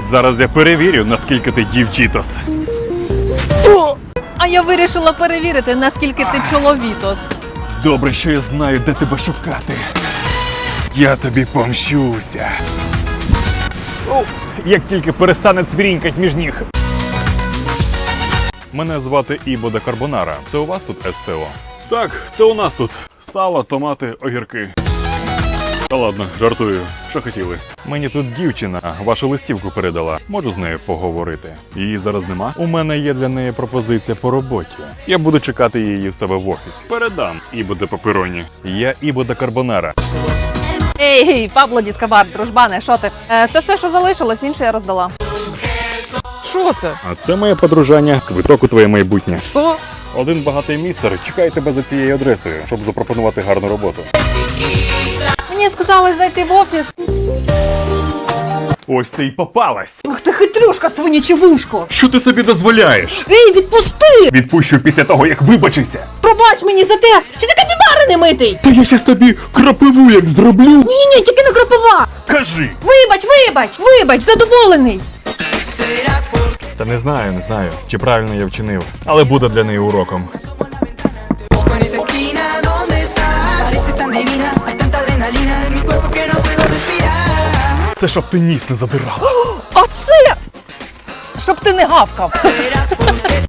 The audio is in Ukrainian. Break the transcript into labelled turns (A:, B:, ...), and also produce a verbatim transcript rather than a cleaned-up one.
A: Зараз я перевірю, наскільки ти дівчитос.
B: А я вирішила перевірити, наскільки ти чоловітос.
A: Добре, що я знаю, де тебе шукати. Я тобі помщуся. О, як тільки перестане цвірінькать між ніг. Мене звати Ібо де Карбонара. Це у вас тут СТО? Так, це у нас тут. Сало, томати, огірки. Та ладно, жартую. Що хотіли? Мені тут дівчина вашу листівку передала. Можу з нею поговорити. Її зараз нема? У мене є для неї пропозиція по роботі. Я буду чекати її в себе в офісі. Передам Ібо де Папероні. Я Ібо де Карбонара.
B: Ей, гей, Пабло Діскабар, дружбане, що ти? Е, це все, що залишилось, інше я роздала. Що це?
A: А це моє подружання, квиток у твоє майбутнє.
B: Що?
A: Один багатий містер чекає тебе за цією адресою, щоб запропонувати гарну роботу.
B: Мені сказали зайти в офіс.
A: Ось ти й попалась!
B: Ах ти хитрюшка, свиняче вушко!
A: Що ти собі дозволяєш?
B: Ей, відпусти!
A: Відпущу після того, як вибачишся.
B: Пробач мені за те, що ти капібари не митий!
A: Та я щас тобі крапиву як зроблю.
B: Ні-ні, тільки не кропива!
A: Кажи!
B: Вибач, вибач, вибач, задоволений!
A: Та не знаю, не знаю, чи правильно я вчинив. Але буде для неї уроком.
C: Busco en esa esquina donde estás. Pareces tan divina, hay tanta adrenalina en mi cuerpo que no puedo respirar.
A: Це щоб ти ніс не задирав.
B: А це! Щоб ти не гавкав!
C: Será porque